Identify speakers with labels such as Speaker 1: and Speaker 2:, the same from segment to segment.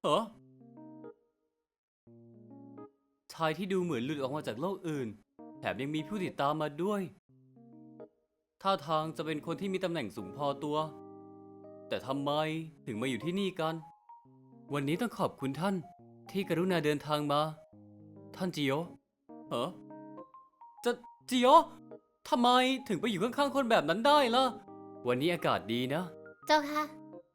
Speaker 1: เหรอชายที่ดูเหมือนหลุดออกมาจากโลกอื่นแถมยังมีผู้ติดตามมาด้วยท่าทางจะเป็นคนที่มีตำแหน่งสูงพอตัวแต่ทำไมถึงมาอยู่ที่นี่กันวันนี้ต้องขอบคุณท่านที่กรุณาเดินทางมาท่านจิโอเหรอจะจิโอทำไมถึงไปอยู่ข้างๆคนแบบนั้นได้ล่ะวันนี้อากาศดีนะ
Speaker 2: เจ้าค่ะ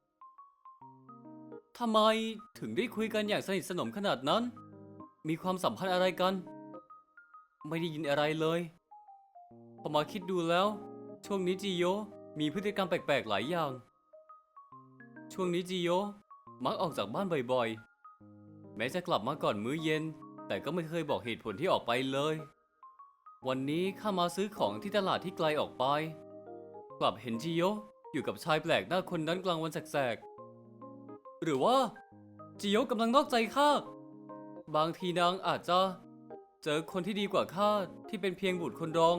Speaker 1: ทำไมถึงได้คุยกันอย่างสนิทสนมขนาดนั้น มีความสัมพันธ์อะไรกัน ไม่ได้ยินอะไรเลยพอมาคิดดูแล้ว ช่วงนี้จิโยมีพฤติกรรมแปลกๆหลายอย่าง ช่วงนี้จิโยมักออกจากบ้านบ่อยๆ แม้จะกลับมาก่อนมื้อเย็น แต่ก็ไม่เคยบอกเหตุผลที่ออกไปเลย วันนี้ข้ามาซื้อของที่ตลาดที่ไกลออกไป กลับเห็นจิโยอยู่กับชายแปลกหน้าคนนั้นกลางวันแสกๆ หรือว่าจิโยกำลังนอกใจข้า บางทีนางอาจจะเจอคนที่ดีกว่าข้าที่เป็นเพียงบุตรคนรอง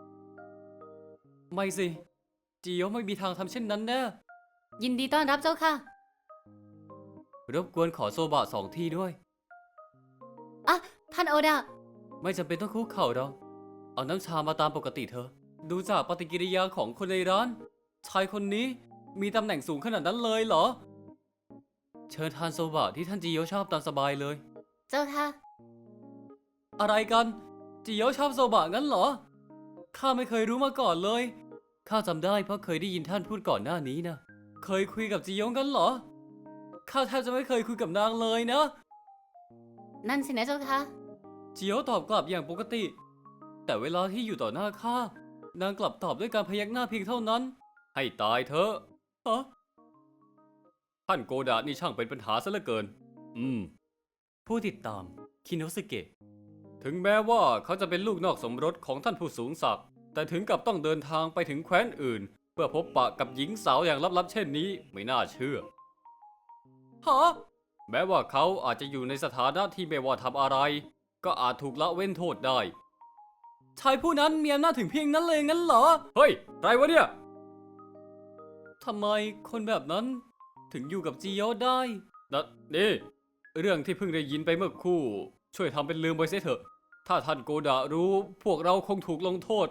Speaker 1: ไม่สิจิโยไม่มีทางทำเช่นนั้นแน่
Speaker 2: ยินดีต้อนรับเจ้าค่ะ
Speaker 1: รบกวนขอโซบะ2 ที่ด้วย
Speaker 2: อ่ะ ท่านโอดะ
Speaker 1: ไม่จำเป็นต้องคุกเข่าหรอกเอาน้ำชามาตามปกติเถอะ ดูจากปฏิกิริยาของคนในร้าน ชายคนนี้มีตำแหน่งสูงขนาดนั้นเลยเหรอ เชิญทานโซบะที่ท่านจิโยชอบตามสบายเลย
Speaker 2: เจ้าค่ะ
Speaker 1: อะไรกันจิโยชอบโซบะงั้นเหรอ ข้าไม่เคยรู้มาก่อนเลย ข้าจำได้เพราะเคยได้ยินท่านพูดก่อนหน้านี้นะ เคยคุยกับจิโยงั้นเหรอ ข้าแทบจะไม่เคยคุยกับนางเลยนะ
Speaker 2: นั่นสินะเจ้าค่ะ
Speaker 1: จิโยตอบกลับอย่างปกติ แต่เวลาที่อยู่ต่อหน้าข้านางกลับตอบด้วยการพยักหน้าเพียงเท่านั้น ให้ตายเถอะฮะท่านโกดะนี่ช่างเป็นปัญหาซะเหลือเกิน ผู้ติดตามคิโนสึเกะ ถึงแม้ว่าเขาจะเป็นลูกนอกสมรสของท่านผู้สูงศักดิ์แต่ถึงกับต้องเดินทางไปถึงแคว้นอื่น เพื่อพบปะกับหญิงสาวอย่างลับๆเช่นนี้ไม่น่าเชื่อฮะแม้ว่าเขาอาจจะอยู่ในสถานะที่ไม่ว่าทำอะไร ก็อาจถูกละเว้นโทษได้ ชายผู้นั้นมีอำนาจถึงเพียงนั้นเลยงั้นเหรอ เฮ้ยไรวะเนี่ยทำไมคนแบบนั้นถึงอยู่กับจิโยะได้นี่เรื่องที่เพิ่งได้ยินไปเมื่อครู่ ช่วยทำเป็นลืมไปเสียเถอะ ถ้าท่านโกดะรู้พวกเราคงถูกลงโทษ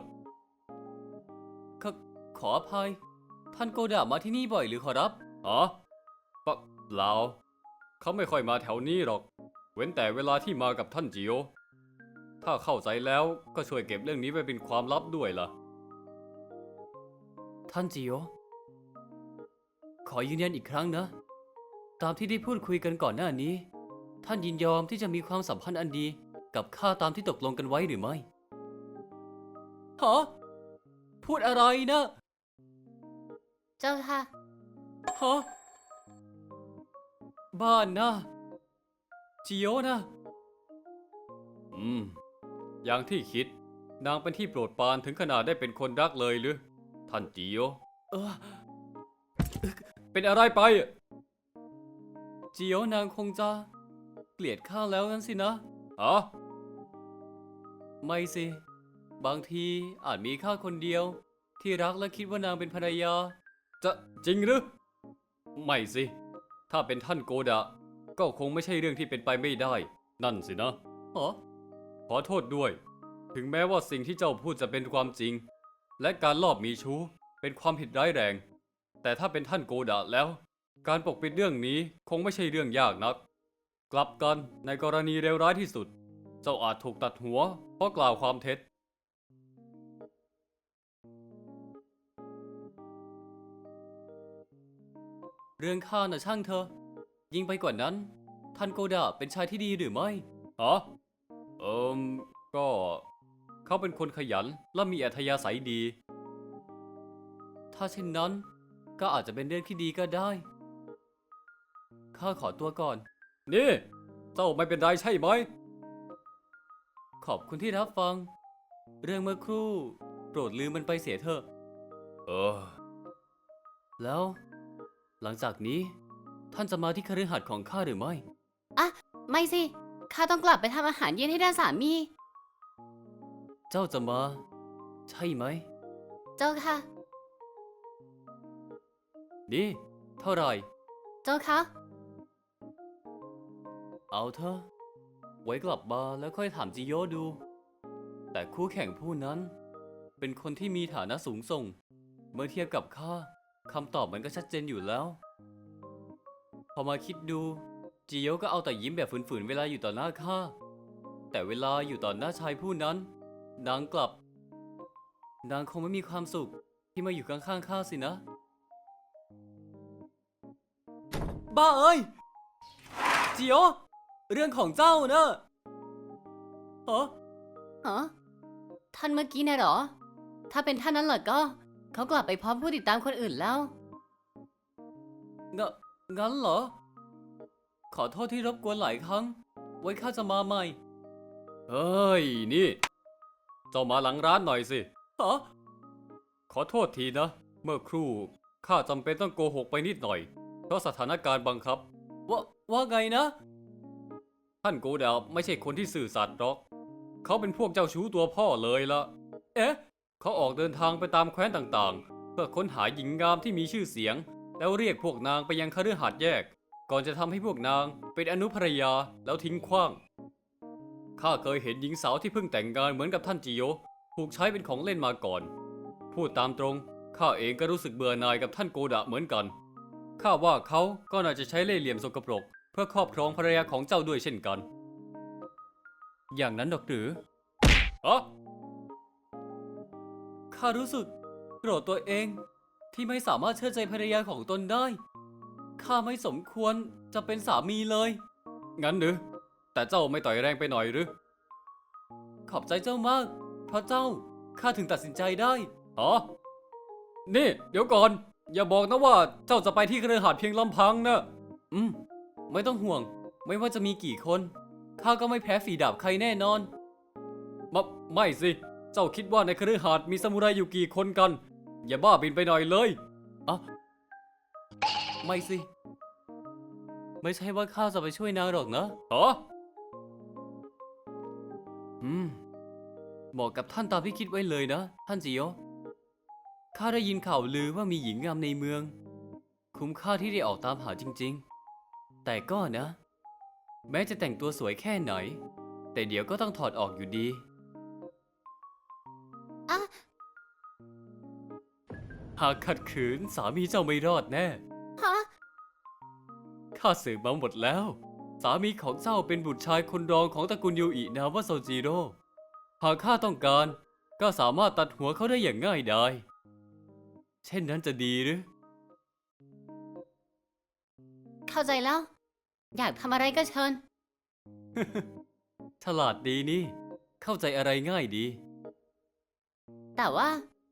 Speaker 1: ขออภัย ท่านโกดะมาที่นี่บ่อยหรือขอรับอ๋อเปล่าเขาไม่ค่อยมาแถวนี้หรอก เว้นแต่เวลาที่มากับท่านจิโยะถ้าเข้าใจแล้วก็ช่วยเก็บเรื่องนี้ไว้เป็นความลับด้วยล่ะ ท่านจิโยะขอยืนยันอีกครั้งนะ ตามที่ได้พูดคุยกันก่อนหน้านี้ ท่านยินยอมที่จะมีความสัมพันธ์อันดีกับข้าตามที่ตกลงกันไว้หรือไม่ฮะพูดอะไรนะ
Speaker 2: เจ้าค่ะ
Speaker 1: ฮะบ้านนะจิโยะนะอย่างที่คิด นางเป็นที่โปรดปรานถึงขนาดได้เป็นคนรักเลยหรือ ท่านจิโยะเป็นอะไรไปจิโยะนางคงจะเกลียดข้าแล้วงั้นสินะไม่สิ บางทีอาจมีข้าคนเดียวที่รักและคิดว่านางเป็นภรรยา จะจริงหรือ ไม่สิ ถ้าเป็นท่านโกดะก็คงไม่ใช่เรื่องที่เป็นไปไม่ได้ นั่นสินะขอโทษด้วย ถึงแม้ว่าสิ่งที่เจ้าพูดจะเป็นความจริง และการลอบมีชู้เป็นความผิดร้ายแรง แต่ถ้าเป็นท่านโกดะแล้ว การปกปิดเรื่องนี้คงไม่ใช่เรื่องยากนัก กลับกันในกรณีเลวร้ายที่สุด เจ้าอาจถูกตัดหัวเพราะกล่าวความเท็จ เรื่องข้าน่ะช่างเธอ ยิ่งไปกว่านั้น ท่านโกดะเป็นชายที่ดีหรือไม่เอิมก็เขาเป็นคนขยันและมีอัธยาศัยดี ถ้าเช่นนั้นก็อาจจะเป็นเรื่องที่ดีก็ได้ ข้าขอตัวก่อน นี่ เจ้าไม่เป็นไรใช่ไหม ขอบคุณที่รับฟัง เรื่องเมื่อครู่โปรดลืมมันไปเสียเถอะ แล้ว หลังจากนี้ ท่านจะมาที่คฤหาสน์ของข้าหรือไม่
Speaker 2: อ่ะ ไม่สิ ข้าต้องกลับไปทำอาหารเย็นให้ด้านสามี
Speaker 1: เจ้าจะมา ใช่ไหม
Speaker 2: เจ้าค่ะ
Speaker 1: นี่ เท่าไหร่
Speaker 2: เจ้าค่ะ
Speaker 1: เอาเถอะไว้กลับมาแล้วค่อยถามจิโยดู แต่คู่แข่งผู้นั้น เป็นคนที่มีฐานะสูงส่ง เมื่อเทียบกับข้าคำตอบมันก็ชัดเจนอยู่แล้ว พอมาคิดดูจิโยก็เอาแต่ยิ้มแบบฝืนๆเวลาอยู่ต่อหน้าข้าแต่เวลาอยู่ต่อหน้าชายผู้นั้น นางกลับ นางคงไม่มีความสุขที่มาอยู่ข้างๆข้าสินะ บ้าเอ้ยจิโยเรื่องของเจ้าเนอะฮะ
Speaker 2: ฮะท่านเมื่อกี้น่ะเหรอ ถ้าเป็นท่านนั้นเหรอก็ เขากลับไปพร้อมผู้ติดตามคนอื่นแล้ว
Speaker 1: งั้นเหรอ ขอโทษที่รบกวนหลายครั้ง ไว้ข้าจะมาใหม่ เฮ้ย นี่ เจ้ามาหลังร้านหน่อยสิฮะขอโทษทีนะ เมื่อครู่ข้าจำเป็นต้องโกหกไปนิดหน่อย เพราะสถานการณ์บังคับ ว่าไงนะ ท่านโกดาไม่ใช่คนที่สื่อสัตย์หรอก เขาเป็นพวกเจ้าชู้ตัวพ่อเลยละเอ๊ะ เขาออกเดินทางไปตามแคว้นต่างๆ เพื่อค้นหาหญิงงามที่มีชื่อเสียง แล้วเรียกพวกนางไปยังคฤหาสน์แยก ก่อนจะทำให้พวกนางเป็นอนุภรรยาแล้วทิ้งขว้าง ข้าเคยเห็นหญิงสาวที่เพิ่งแต่งงานเหมือนกับท่านจิโยถูกใช้เป็นของเล่นมาก่อน พูดตามตรง ข้าเองก็รู้สึกเบื่อหน่ายกับท่านโกดะเหมือนกัน ข้าว่าเขาก็น่าจะใช้เล่ห์เหลี่ยมสกปรกเพื่อครอบครองภรรยาของเจ้าด้วยเช่นกัน อย่างนั้นดอกหรืออ๋อข้ารู้สึกโกรธตัวเองที่ไม่สามารถเชื่อใจภรรยาของตนได้ ข้าไม่สมควรจะเป็นสามีเลย งั้นหรือ แต่เจ้าไม่ต่อยแรงไปหน่อยหรือ ขอบใจเจ้ามาก เพราะเจ้าข้าถึงตัดสินใจได้อ๋อนี่ เดี๋ยวก่อน อย่าบอกนะว่าเจ้าจะไปที่คฤหาสน์เพียงลำพังนะไม่ต้องห่วง ไม่ว่าจะมีกี่คน ข้าก็ไม่แพ้ฝีดาบใครแน่นอน ไม่สิ เจ้าคิดว่าในคฤหาสน์มีซามูไรอยู่กี่คนกัน อย่าบ้าบินไปหน่อยเลยอ่ะไม่สิ ไม่ใช่ว่าข้าจะไปช่วยนางหรอกนะเหรอเหมาะกับท่านตามที่คิดไว้เลยนะ ท่านจิโยข้าได้ยินข่าวลือว่ามีหญิงงามในเมือง คุ้มค่าที่ได้ออกตามหาจริงๆ แต่ก็นะ แม้จะแต่งตัวสวยแค่ไหน แต่เดี๋ยวก็ต้องถอดออกอยู่ดี
Speaker 2: อะ
Speaker 1: หากขัดขืนสามีเจ้าไม่รอดแน่
Speaker 2: ฮะ
Speaker 1: ข้าสืบมาหมดแล้ว สามีของเจ้าเป็นบุตรชายคนรองของตระกูลยูอินามว่าโซจิโร่ หากข้าต้องการ ก็สามารถตัดหัวเขาได้อย่างง่ายดาย เช่นนั้นจะดีหรือ
Speaker 2: เข้าใจแล้ว อยากทำอะไรก็เชิญ
Speaker 1: ฉลาดดีนี่ เข้าใจอะไรง่ายดี
Speaker 2: แต่ว่า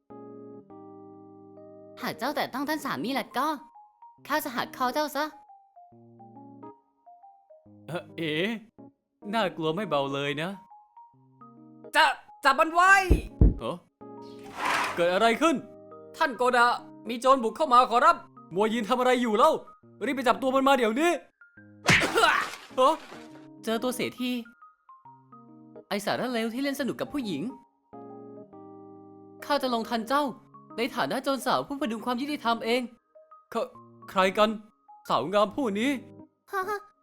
Speaker 2: หากเจ้าแต่ต้องท่านสามีล่ะก็ ข้าจะหักคอเจ้าซะ
Speaker 1: เอ๋น่ากลัวไม่เบาเลยนะ
Speaker 3: จับมันไว้
Speaker 1: เฮ้เกิดอะไรขึ้น ท่านโกดะ มีโจรบุกเข้ามาขอรับ มัวยืนทำอะไรอยู่เล่า รีบไปจับตัวมันมาเดี๋ยวนี้ เฮ้เจอตัวเสียที ไอสารเลวที่เล่นสนุกกับผู้หญิง ข้าจะลงทันเจ้า ในฐานะโจรสาวผู้พดุงความยุติธรรมเอง ใครกัน สาวงามผู้นี้
Speaker 2: ฮะ